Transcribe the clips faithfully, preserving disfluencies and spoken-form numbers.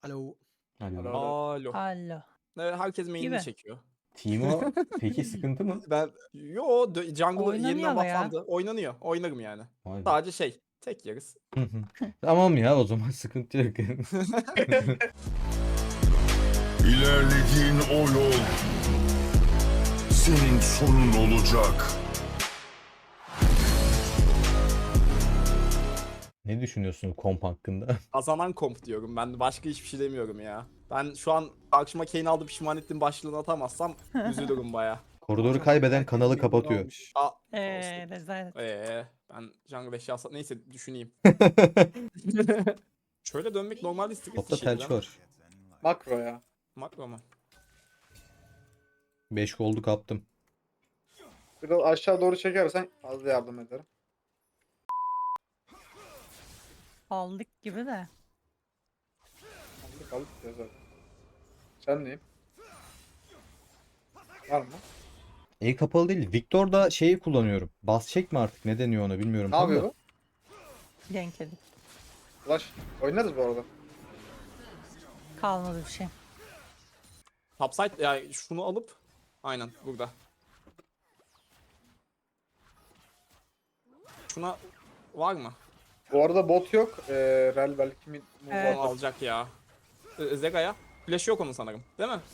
Alo. Alo. Alo. Alo. Alo. Evet, herkes main'ini Gibi. çekiyor. Timo peki sıkıntı mı? Ben yo dö- jungle Oynanıyor yeniden ama ya. bufflandı. Oynanıyor. Oynarım yani. Vay be. Sadece şey tek yeriz. Hı hı. Tamam ya, o zaman sıkıntı yok. İlerlediğin o yol senin sonun olacak. Ne düşünüyorsun komp hakkında? Kazanan komp diyorum. Ben başka hiçbir şey demiyorum ya. Ben şu an karşıma Kane'i aldı pişman ettim başlığını atamazsam üzülürüm baya. Koridoru kaybeden kanalı kapatıyor. Aa, Eee rezalet. ee, ben jungle eşyası neyse düşüneyim. Şöyle dönmek normalde istek Topta telç var. Makro ya. Makro mu? beş goldu kaptım. Biraz aşağı doğru çekersen fazla yardım ederim. Aldık gibi de. Aldık aldık ya zaten. Sen neyim? Var mı? El kapalı değil. Victor'da şeyi kullanıyorum. Bas çek mi artık? Ne deniyor ona bilmiyorum. Ne tam yapıyor da. bu? Denk edip. Flash. Oynarız bu arada. Kalmadı bir şey. Topside ya şunu alıp aynen burada. Şuna var mı? Bu arada bot yok. Ee, Rel belki mi? Evet. Onu alacak ya. Ee, Zega'ya. Flash yok onun sanırım. Değil mi?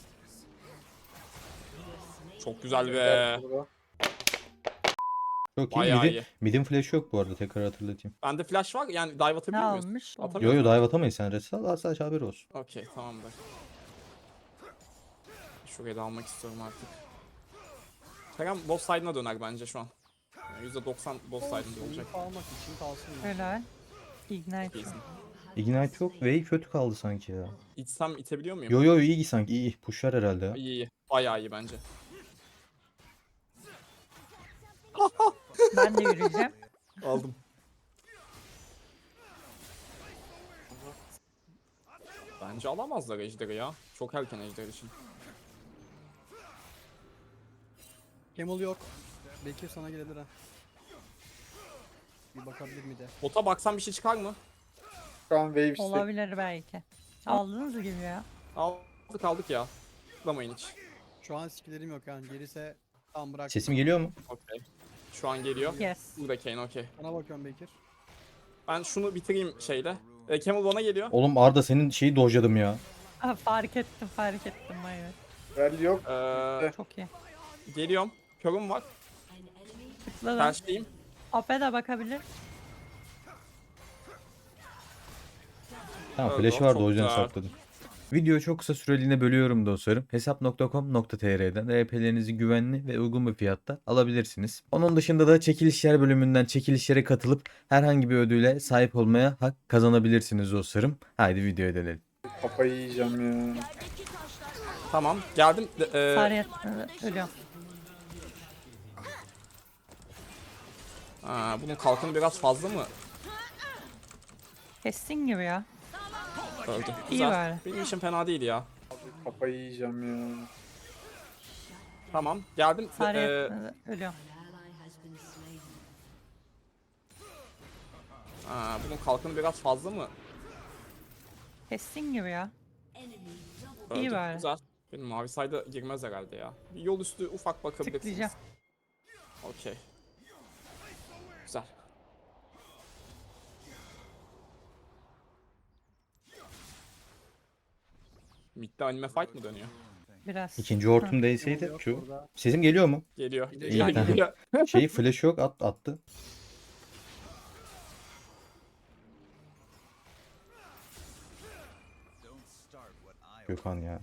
Çok güzel be. Burada. Çok iyi. Bayağı Midi, iyi. midin flash yok bu arada, tekrar hatırlatayım. Bende flash var yani dive Ne atabiliyor muyuz? almış? Atamıyor Yo yo, muyuz? dive atamayız, sen res al, sadece haber olsun. Okey tamamdır. Şurayı da almak istiyorum artık. Kerem boss side'ına döner bence şu an. Yani yüzde doksan boss side'ında olacak. Almak için kalsın. Helal. Ignite. İyisin. Ignite yok. Vey kötü kaldı sanki ya. İçsem itebiliyor muyum? Yo yo, iyi sanki, iyi. Pushlar herhalde ya. İyi iyi. Bayağı iyi bence. Ben de yürüyeceğim. Aldım. Bence alamazlar ejderi ya. Çok erken ejder için. Camel yok. Belki sana gelebilir ha. Bir bakabilir mi de. Bota baksan bir şey çıkar mı? Şu an wave stack. Olabilir belki. Aldınız gibi ya. Aldık aldık ya. Tıklamayın hiç. Şu an skillerim yok yani. Gelirse tam bırak. Sesim geliyor mu? Okey. Şu an geliyor. Yes. Burada Kane okey. Sana bakıyorum Bekir. Ben şunu bitireyim şeyle. E, Camel bana geliyor. Oğlum Arda, senin şeyi dojladım ya. Aa, fark ettim fark ettim. Evet. Rel yok. Ee, Çok iyi. geliyorum. Körüm var. Tıkladım. Tersteyim. Ape de bakabilir. Tamam, Öldü, flash vardı, çok o yüzden güzel. sakladım. Videoyu çok kısa süreliğine bölüyorum dostlarım. hesap nokta com nokta tr'den R P'lerinizi güvenli ve uygun bir fiyatta alabilirsiniz. Onun dışında da çekilişler bölümünden çekilişlere katılıp herhangi bir ödüle sahip olmaya hak kazanabilirsiniz dostlarım. Haydi videoya dönelim. Kafayı yiyeceğim ya. Tamam. Geldim. De- e, Sarıya ölüyorum. Aa, bunun kalkanı biraz fazla mı? Kestin gibi ya. Öldü. İyi Güzel. bari. Benim işim fena değil ya. Kafayı yiyeceğim ya. Tamam. Geldim. De- Sarıya e, ölüyorum. aa, bunun kalkanı biraz fazla mı? Kestin gibi ya. Öldü. İyi bari. Güzel. Benim mavi sayda girmez herhalde ya. Bir yol üstü ufak bakabilirsiniz. Tıklayacağım. Okey. Güzel. Mid'de anime fight mı dönüyor? Biraz. İkinci Hı. hortum Camel değseydi yok şu. orada. Sesim geliyor mu? Geliyor. İyi, Geliyor. tamam. Geliyor. Şeyi flash yok, at, attı. Gökhan ya.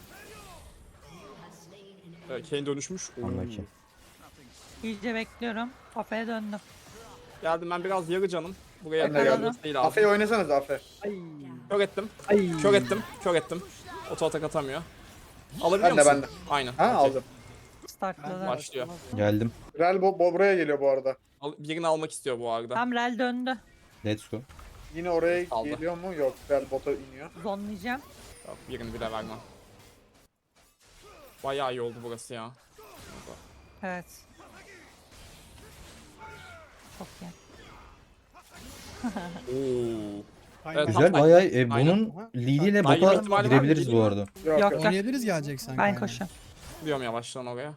Ee, Kane dönüşmüş. Oo. Anlaki. İyice bekliyorum. Ape'ye döndüm. Geldim ben biraz yarı canım. Buraya Ben de gelmesi geldim. değil lazım. Afe'yi oynasanız Afe. Ay. Kör ettim. Ay. Kör ettim. Kör ettim. Oto atak atamıyor. Alabiliyor Ben de, musun? ben de. Aynen. Ha okey. aldım. Startladı. Başlıyor. Geldim. Rel bo bo- buraya geliyor bu arada. Al- birini almak istiyor bu arada. Tam rel döndü. Let's go. Yine oraya Aldı. geliyor mu? Yok. Rel bota iniyor. Zonlayacağım. Yok, birini bile vermem. Bayağı iyi oldu burası ya. Evet. Çok iyi. Oo. Aynen. Evet, Güzel Tam bayağı e, Aynen. bunun Aha. leadiyle Aynen. bota ihtimali var mı? girebiliriz bu Geleyim arada. Yok Yok, yok. yok. Oynayabiliriz geleceksen. Ben aynen. koşuyorum. Gidiyorum yavaştan oraya.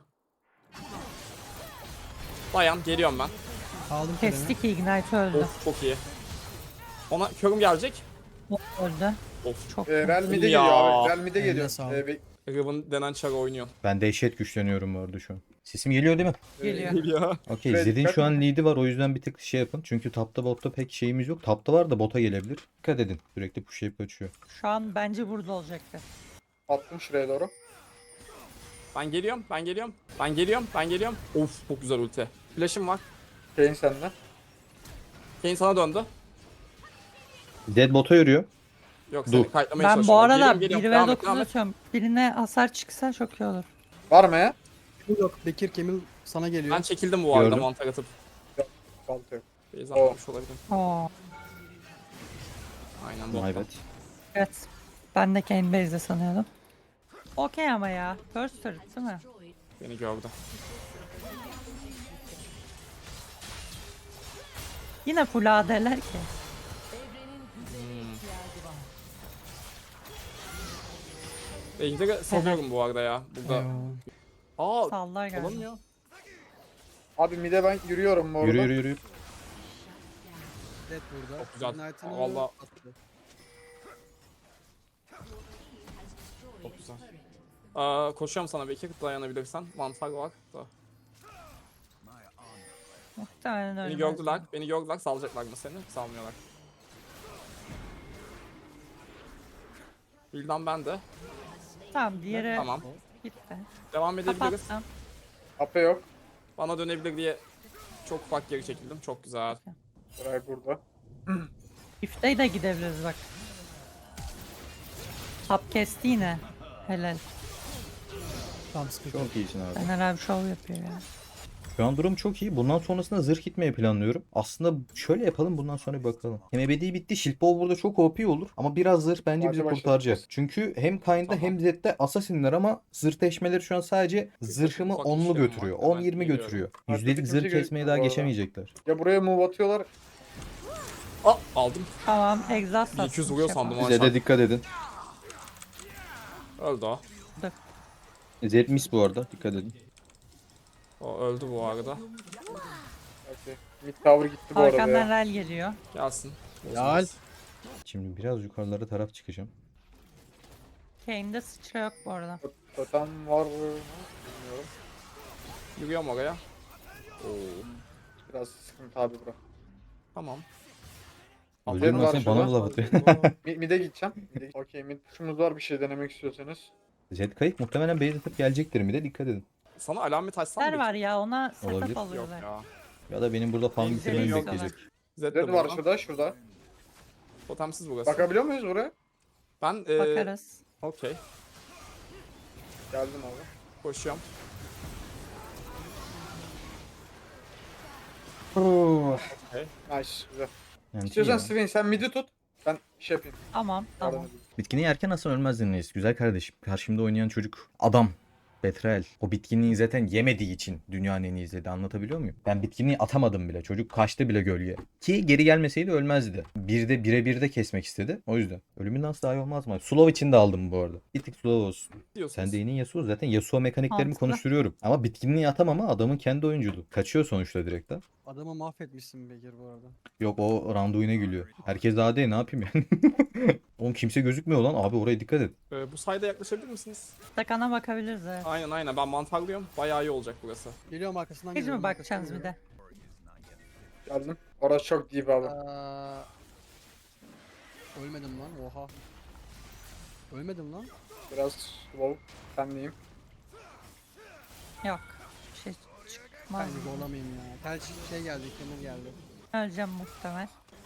Dayan geliyorum ben. Aldım köremi. Kestik Ignite öldü. Of çok iyi. Ona körüm gelecek. Öldü. Of. Çok Ee, Real mid'e Ya. geliyor abi. Real mid'e Eline geliyor. sağlık. Ee, be- Riven denen çar oynuyor. Ben dehşet güçleniyorum bu arada şu an. Sesim geliyor değil mi? geliyor. Geliyor. Okey, Evet, Zed'in dikkat şu an edin. lead'i var, o yüzden bir tık şey yapın. Çünkü tapta botta pek şeyimiz yok. Tapta var da bota gelebilir. Dikkat edin. Sürekli pushlayıp kaçıyor. Şu an bence burada olacaktı. attım şuraya doğru. Ben geliyorum, ben geliyorum. Ben geliyorum, ben geliyorum. Of çok güzel ulti. Flash'ım var. Kane sende. Kane sana döndü. Zed bota yürüyor. Yok Dur. seni kayıtlamaya Ben bu çalışıyorum. arada Geliyorum, bir geliyorum. ve Devam et, dokuz devam et. atıyorum. Birine hasar çıksa çok iyi olur. Var mı ya? Yok Bekir Kemil sana geliyor. Ben çekildim bu arada Gördüm. mantar atıp. Balta yok. Beyza atmamış olabilirim. Oo. Aynen My botta. bad. Evet. Ben de Kane Base'de sanıyordum. Okey ama ya. First turret değil mi? Beni gördü. Yine full A D'ler ki. Ejder'e salıyorum bu arada ya. Burada. Eyvah. Aa Sallar galiba. olamıyor. Abi mid'e ben yürüyorum bu arada. Yürü yürü yürü. Dead burada. Çok güzel. Ignite'ını Vallahi- attı. Çok güzel. Aa, koşuyorum sana Bekir dayanabilirsen. Mantar var da. Muhtemelen Beni ölmez. gördüler. Beni gördüler. Salacaklar mı seni? Salmıyorlar. Bildan ben de. Tamam diğeri Tamam. gitti. Devam edebiliriz. Kapattım. Ape yok. Bana dönebilir diye çok ufak geri çekildim. Çok güzel. Ray burada. If'te de gidebiliriz bak. Tap kesti yine. Helal. Tamam sıkıntı yok. Çok iyisin abi. Fener abi şov yapıyor ya. Şu an durum çok iyi. Bundan sonrasında zırh gitmeyi planlıyorum. Aslında şöyle yapalım, bundan sonra bir bakalım. Hem ebedi bitti. Shieldball burada çok O P olur. Ama biraz zırh bence Hadi bizi başlayalım. kurtaracak. Çünkü hem Kayn'da Tamam. hem Zed'de Assassin'ler ama zırh deşmeleri şu an sadece zırhımı ufak onlu işlerim götürüyor. var. Ben on yirmi geliyorum. götürüyor. Artık Yüzdelik kimse zırh gözükmüyor kesmeye bu daha arada. geçemeyecekler. Ya buraya move atıyorlar. Aa aldım. Tamam exhaust iki yüz attım, vuruyor şey sandım yapalım. ama. Zed'e dikkat edin. Öldü o. Zed miss bu arada. Dikkat edin. O öldü bu arada. Okey. Mid tower gitti bu arada Arkandan ya. rel geliyor. Gelsin. Helal. Şimdi biraz yukarılara taraf çıkacağım. Kane'de sıçra yok bu arada. Totem var mı? Bilmiyorum. Yürüyorum oraya. Oo. Biraz sıkıntı abi bura. Tamam. Öldürme var sen, bana şurada. da laf atıyor. Mid, mid'e gideceğim. Mid'e gideceğim. Okey mid push'umuz var, bir şey denemek istiyorsanız. Zed kayıp muhtemelen base atıp gelecektir mi de dikkat edin. Sana alamet açsam Ser mı? var ya ona Olabilir. setup Yok alıyorlar. ya. Ya da benim burada farm Benim bitirmemi yok. bekleyecek. Zed Red de var burada. şurada, şurada. Totemsiz burası. Bakabiliyor muyuz buraya? Ben e, Bakarız. okey. Geldim abi. Koşuyorum. Nice, güzel. Yani İstiyorsan iyi ya. Swain sen mid'i tut. Ben şey yapayım. Tamam yardım tamam. edeyim. Bitkini yerken aslında ölmezdin reis. Güzel kardeşim. Karşımda oynayan çocuk adam. Betrel. O bitkinliği zaten yemediği için dünyanın en iyi izledi. Anlatabiliyor muyum? Ben bitkinliği atamadım bile. Çocuk kaçtı bile gölge. Ki geri gelmeseydi ölmezdi. Bir de bire bir de kesmek istedi. O yüzden. Ölümün nasıl daha iyi olmaz mı? Slow için de aldım bu arada. Bir tık slow olsun. Diyorsunuz. Sen de yeni Yasuo. Zaten Yasuo mekaniklerimi Mantıklı. konuşturuyorum. Ama bitkinliği atamama adamın kendi oyunculuğu. Kaçıyor sonuçta direkt ha. Adamı mahvetmişsin Bekir bu arada. Yok o Randuin'e gülüyor. Herkes daha değil, ne yapayım yani. Oğlum kimse gözükmüyor lan. Abi oraya dikkat et. E, bu sayda yaklaşabilir misiniz? Takana bakabiliriz evet. Aynen aynen ben mantarlıyorum. Bayağı iyi olacak burası. Geliyorum arkasından Hiç geliyorum. mi bakacaksınız bir de? Geldim. Orası çok deep abi. Aa, ölmedim lan oha. Ölmedim lan. Biraz slow. Senleyim. Yok. Bir şey çıkmaz. Ben gibi olamayayım ya. Tel şey geldi, Kemil geldi. Öleceğim muhtemel.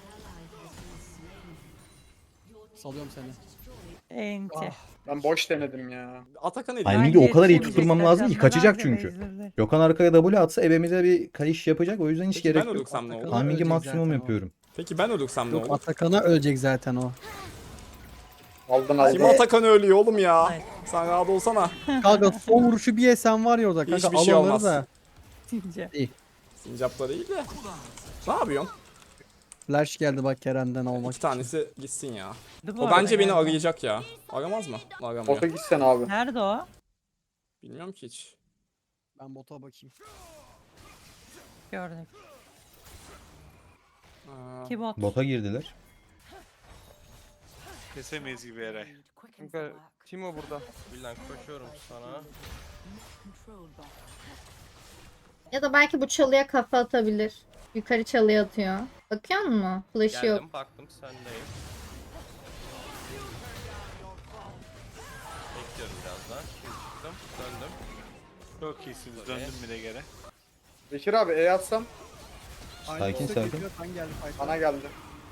Salıyorum seni. Enti. Ben boş denedim ya. Atakan edin. Ay, Timingi o kadar iyi tutturmam lazım ki kaçacak Canlar çünkü. bezirdi. Gökhan arkaya W atsa ebemize bir kayış yapacak. O yüzden hiç Peki ben gerek yok. ölürsem ne olur? Atakan- Timingi Ölecek maksimum zaten o. yapıyorum. Peki ben ölürsem ne Yok olur? Atakan'a ölecek zaten o. Aldın Kim aldın. Atakan ölüyor oğlum ya? Hayır. Sen rahat olsana. Kanka son vuruşu bir yesen var ya orada kanka Hiçbir şey al onları olmaz. da. Tince. Sincapta değil de. Ne yapıyorsun? Flash geldi bak Kerem'den almak İki tanesi gitsin ya. Bu O arada bence beni galiba. arayacak ya. Aramaz mı? Aramıyor. Bota gitsen abi. Nerede o? Bilmiyorum ki hiç. için. Ben bota bakayım. Gördük. Aa, Ki bot. Bota girdiler. Kesemeyiz gibi Eray. Kanka Timo burada. Bilal koşuyorum sana. Ya da belki bu çalıya kafa atabilir. Yukarı çalıya atıyor. Bakıyor musun? Flash'ı yok. Geldim baktım sendeyim. Bekliyorum biraz daha. Şimdi çıktım. Döndüm. Çok iyisiniz. Döndüm bir de geri. Bekir abi E atsam Aynı Sakin, olsa sakin. geliyor, Ben geldim fight'a. bana geldi.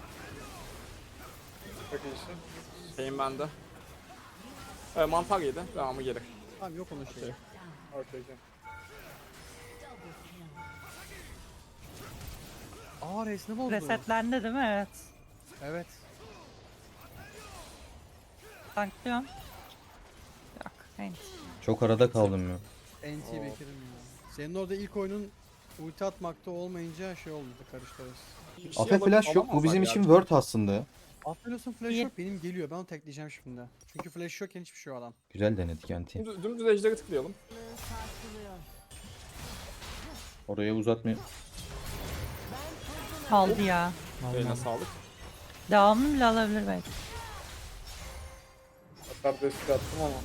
Çok iyisin. şeyim bende. Ee, mantar yedi. Devamı geri. Tamam yok onun şeyi. Okey okey. Aa resmi bozdu. Resetlendi değil mi? Evet. Evet. Tanklıyorum. Yok. Neyse. Çok arada kaldım ya. N T Bekir'im ya. Senin orada ilk oyunun ulti atmakta olmayınca şey oldu karıştı arası. Bir şey Afe alıp flash yok. Bu alamazlar bizim ya. için word aslında. Aferin flash İyi. yok benim geliyor ben onu tekleyeceğim şimdi. Çünkü flash yok hiçbir şey o adam. Güzel denedik anti. Dümdüz, dümdüz ejderi tıklayalım. Oraya uzatmıyor. Aldı ya. Eline sağlık. Devamını bile alabilir belki. Hatta destek attım ama.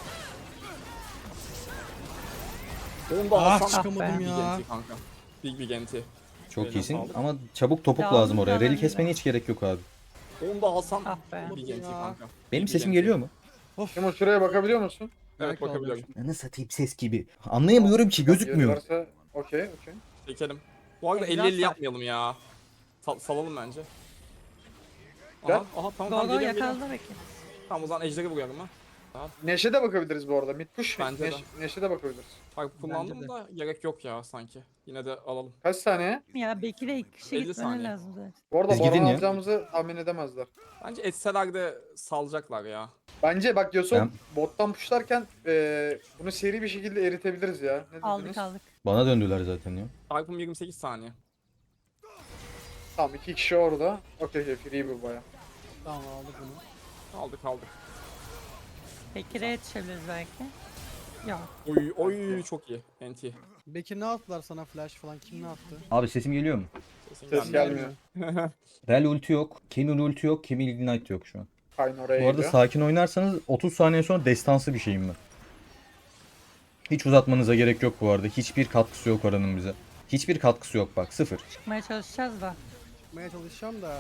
Benim de Ah, Hasan çıkamadım Big ya. Genti kanka. Big Big Genti. Çok Eline iyisin sağlık. ama çabuk topuk Ya lazım onu oraya. da Rally öyle. kesmene hiç gerek yok abi. Onun da Hasan Ah be. Big Genti Ya. kanka. Benim Big sesim Genti. geliyor mu? Timo şuraya bakabiliyor musun? Evet Belki bakabiliyorum. Anı satayım ses gibi. Anlayamıyorum ki gözükmüyor. Varsa okey okey. Çekelim. Bu arada Egzaz elli elli var. yapmayalım ya. Sal salalım bence. Gel. Aha, aha tamam Go tamam go geliyorum geliyorum. yakaladı belki. Tamam o zaman ejderi vuruyorum ha. Neşe de bakabiliriz bu arada. Mid push. Bence de. Neş Neşe de bakabiliriz. Bak kullandım de. da gerek yok ya sanki. Yine de alalım. Kaç saniye? Ya Bekir'e iki kişi elli gitmeni saniye. lazım zaten. Bu arada Biz gidin baron ya. alacağımızı tahmin edemezler. Bence etseler de salacaklar ya. Bence bak Yasuo Ben- bottan pushlarken eee bunu seri bir şekilde eritebiliriz ya. Ne Aldık dediniz? aldık. Bana döndüler zaten ya. Çarpım yirmi sekiz saniye. Tamam iki kişi orada. Okey okey free bu baya. Tamam aldık bunu. Aldık aldık. Bekir'e yetişebiliriz belki. Yok. Oy oy çok iyi. N T. Bekir ne attılar sana flash falan kim ne attı? Abi sesim geliyor mu? Sesin Ses gelmiyor. gelmiyor. Rel ulti yok. Camel ulti yok. Camel ignite yok şu an. Kayn oraya Bu arada geliyor. sakin oynarsanız otuz saniye sonra destansı bir şeyim ben. Hiç uzatmanıza gerek yok bu arada. Hiçbir katkısı yok oranın bize. Hiçbir katkısı yok bak sıfır. Çıkmaya çalışacağız da. Çıkmaya çalışacağım da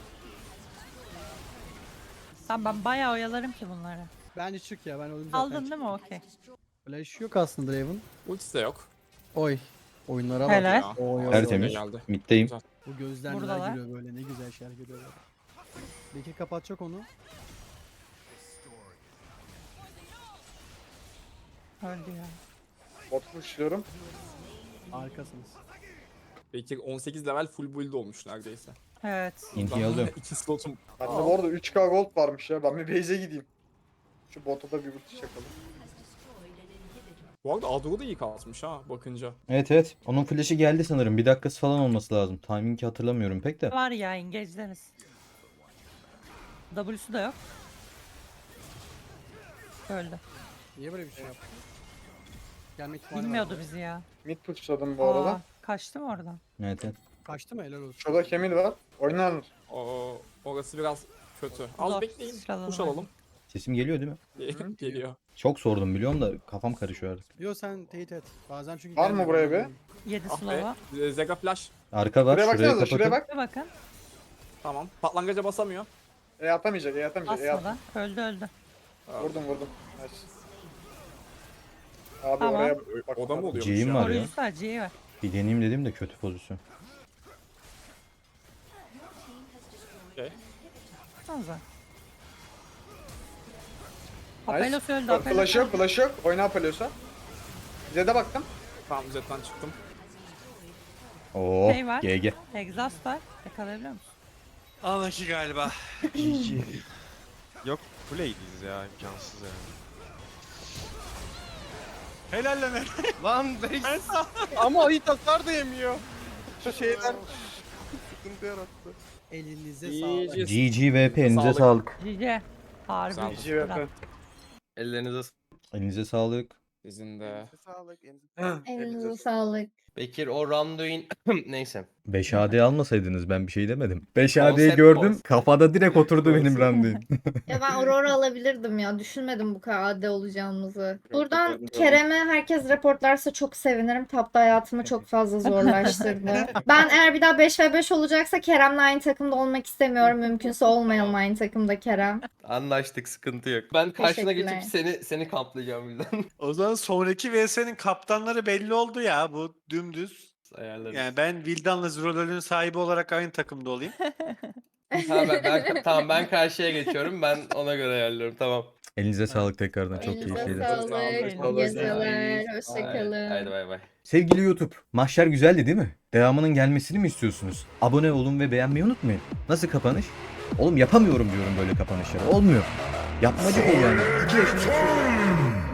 Tamam ben bayağı oyalarım ki bunları. bence çık ya ben öldüm zaten. Aldın değil mi? Okey. Flash yok aslında Draven. Ultisi de yok. Oy. Oyunlara bak. Helal. Ya. Oy, oy, Tertemiz. geldi. Middeyim. Bu gözler Buradalar. neler görüyor böyle ne güzel şeyler görüyorlar. Bekir kapatacak onu. Öldü ya. Bot pushluyorum. Harikasınız. Belki on sekiz level full build olmuş neredeyse. Evet. Inti'yi alıyorum. İki slotum. Bende bu arada üç K gold varmış ya. Ben bir base'e gideyim. Şu bota da bir ulti çakalım. Bu arada Adro da iyi kasmış ha bakınca. Evet evet. Onun flash'i geldi sanırım. Bir dakikası falan olması lazım. Timing'i hatırlamıyorum pek de. Var ya engage'leriz. W'su da yok. Öldü. Niye böyle bir şey yaptı? Gelme ihtimali var. Bilmiyordu bizi ya. Mid pushladım bu arada. Aa, kaçtı mı oradan? Evet evet. Kaçtı mı helal olsun. Şurada Kemil var. Oynanır. O orası biraz kötü. Az Zor. bekleyin. Sıralanı Push var. alalım. Sesim geliyor değil mi? Geliyor. Çok sordum biliyorum da kafam karışıyor artık. Yo sen teyit et. Bazen çünkü Var mı gelmiyor, buraya be? anlamıyorum. Yedi Ah slow'a. be. Zega flash. Arka var. Şuraya Şurayı baksanıza şuraya kapatın. bak. Bir bakın. Tamam. Patlangaca basamıyor. E atamayacak e atamayacak. E at. Asmadan. Öldü öldü. Vurdum vurdum. Nice. Abi Tamam. oraya bak. O da mı oluyormuş C'yim ya? var ya. Koruyucusu var. C'yi var. Bir deneyeyim dedim de kötü pozisyon. Okey. Sanza. Nice. Apelos öldü. Apelos Flash yok öldü. flash yok. Oyna Apelios'a. Bize de baktım. Tamam jetten çıktım. Oo Şey var. G G. Exhaust var. Yakalayabiliyor musun? Anlaki galiba. Yok kuleydiyiz ya imkansız yani. Helal lan Eray. Lan Beyz. Ama ayı tasar da yemiyor. Şu şeyler. sıkıntı yarattı. Elinize İyi, sağlık. iyi. G G V P elinize Sağlık. sağlık. G G. Harbi. Güzel. G G V P. Ellerinize sağlık. Elinize sağlık. Sizin de. Elinize sağlık. elinize- Elinize sağlık. Bekir o Randuin neyse. beş A D almasaydınız ben bir şey demedim. beş A D'yi Konsept gördüm. konsept. Kafada direkt oturdu benim randevu. Ya ben Aurora alabilirdim ya. Düşünmedim bu kadar A D olacağımızı. Buradan ben de Kerem'e herkes reportlarsa çok sevinirim. Tapta hayatımı çok fazla zorlaştırdı. Ben eğer bir daha beş ve beş olacaksa Kerem'le aynı takımda olmak istemiyorum. Mümkünse olmayalım aynı takımda Kerem. Anlaştık, sıkıntı yok. Ben karşına Teşekkürler. geçip seni seni kamplayacağım birden. O zaman sonraki V S'nin kaptanları belli oldu ya. Bu dümdüz. Ayarlarız. Yani ben Vildan'la Zirolöl'ün sahibi olarak aynı takımda olayım. Ha, ben, ben, tamam ben karşıya geçiyorum. Ben ona göre ayarlıyorum. Tamam. Elinize sağlık tekrardan. Çok Elinize keyifliydi. sağlık. Sağlık. İyi geceler. Haydi, Hoşçakalın. haydi bay bay. Sevgili YouTube, mahşer güzeldi değil mi? Devamının gelmesini mi istiyorsunuz? Abone olun ve beğenmeyi unutmayın. Nasıl kapanış? Oğlum yapamıyorum diyorum böyle kapanışları. Olmuyor. Yapmacık ol yani. iki yaşında çocuk.